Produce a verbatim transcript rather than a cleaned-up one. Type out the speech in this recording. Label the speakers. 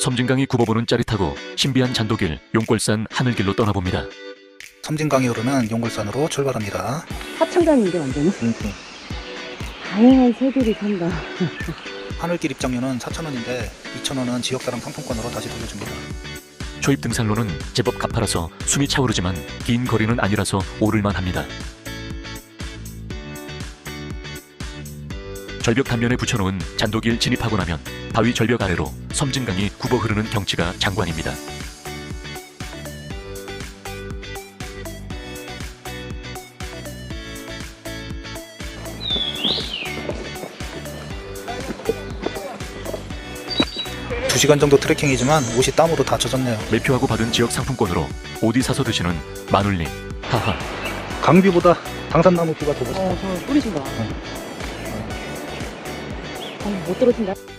Speaker 1: 섬진강이 굽어보는 짜릿하고 신비한 잔도길 용골산 하늘길로 떠나봅니다.
Speaker 2: 섬진강이 흐르는 용골산으로 출발합니다.
Speaker 3: 하천강인데 완전히.
Speaker 2: 음,
Speaker 3: 다양한 새들이 산다.
Speaker 2: 하늘길 입장료는 사천 원인데 이천 원은 지역사랑 상품권으로 다시 돌려줍니다.
Speaker 1: 초입 등산로는 제법 가파라서 숨이 차오르지만 긴 거리는 아니라서 오를만 합니다. 절벽 단면에 붙여놓은 잔도길 진입하고 나면 바위 절벽 아래로 섬진강이 굽어 흐르는 경치가 장관입니다.
Speaker 2: 두 시간 정도 트레킹이지만 옷이 땀으로 다 젖었네요.
Speaker 1: 매표하고 받은 지역 상품권으로 어디 사서 드시는 마눌님. 하하.
Speaker 2: 강뷰보다 당산나무 뷰가 더 멋있다.
Speaker 3: 어, 저 뿌리신다. 어, 못 떨어진다.